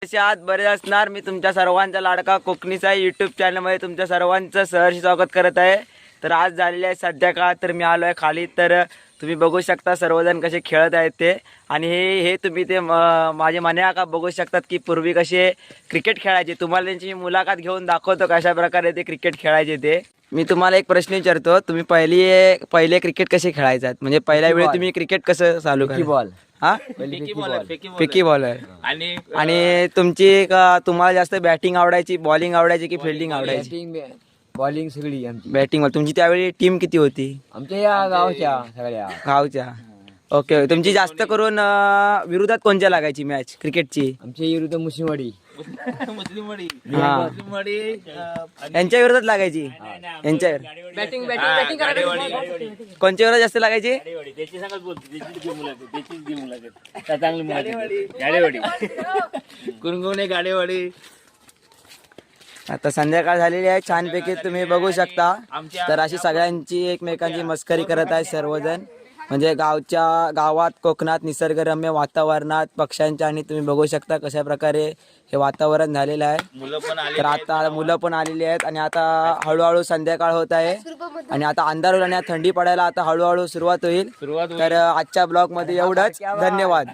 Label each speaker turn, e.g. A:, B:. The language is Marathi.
A: कसे आहात? बरे असणार. मी तुमच्या सर्वांचा लाडका कोकणीचा यूट्यूब चॅनलमध्ये तुमच्या सर्वांचं सहर्ष स्वागत करत आहे. तर आज झालेले आहे संध्याकाळ, तर मी आलो आहे खाली. तर तुम्ही बघू शकता सर्वजण कसे खेळत आहेत ते. आणि हे तुम्ही ते माझे मने का बघू शकतात की पूर्वी कसे क्रिकेट खेळायचे. तुम्हाला त्यांची मुलाखत घेऊन दाखवतो कशा प्रकारे ते क्रिकेट खेळायचे ते. मी तुम्हाला एक प्रश्न विचारतो, तुम्ही पहिले क्रिकेट कसे खेळायचात? म्हणजे पहिल्या वेळी तुम्ही क्रिकेट कसं चालू करा?
B: बॉल
A: हा, फेकी बॉलर. आणि तुम्हाला जास्त बॅटिंग आवडायची, बॉलिंग आवडायची की फिल्डिंग आवडायची?
B: बॉलिंग सगळी आमची.
A: बॅटिंग. तुमची त्यावेळी टीम किती होती?
B: आमच्या या गावच्या सगळ्या
A: गावच्या. ओके. तुमची जास्त करून विरोधात कोणत्या लागायची मॅच क्रिकेटची?
B: आमच्या विरुद्ध मुस्लिमवाडी.
A: हा, यांच्या विरोधात लागायची. यांच्या कोणच्या विरोधात जास्त लागायची?
C: गाडेवाडी.
A: आता संध्याकाळ झालेली आहे छानपैकी तुम्ही बघू शकता. तर अशी सगळ्यांची एकमेकांची मस्करी करत आहे सर्वजण. म्हणजे गावात कोकणात निसर्गरम्य वातावरणात पक्ष्यांच्या, आणि तुम्ही बघू शकता कशा प्रकारे हे वातावरण झालेलं आहे. तर आता मुलं पण आलेली आहेत आणि आता हळूहळू संध्याकाळ होत आहे आणि आता अंधार होईल आणि थंडी पडायला आता हळूहळू सुरुवात होईल. तर आजच्या ब्लॉग मध्ये एवढंच. धन्यवाद.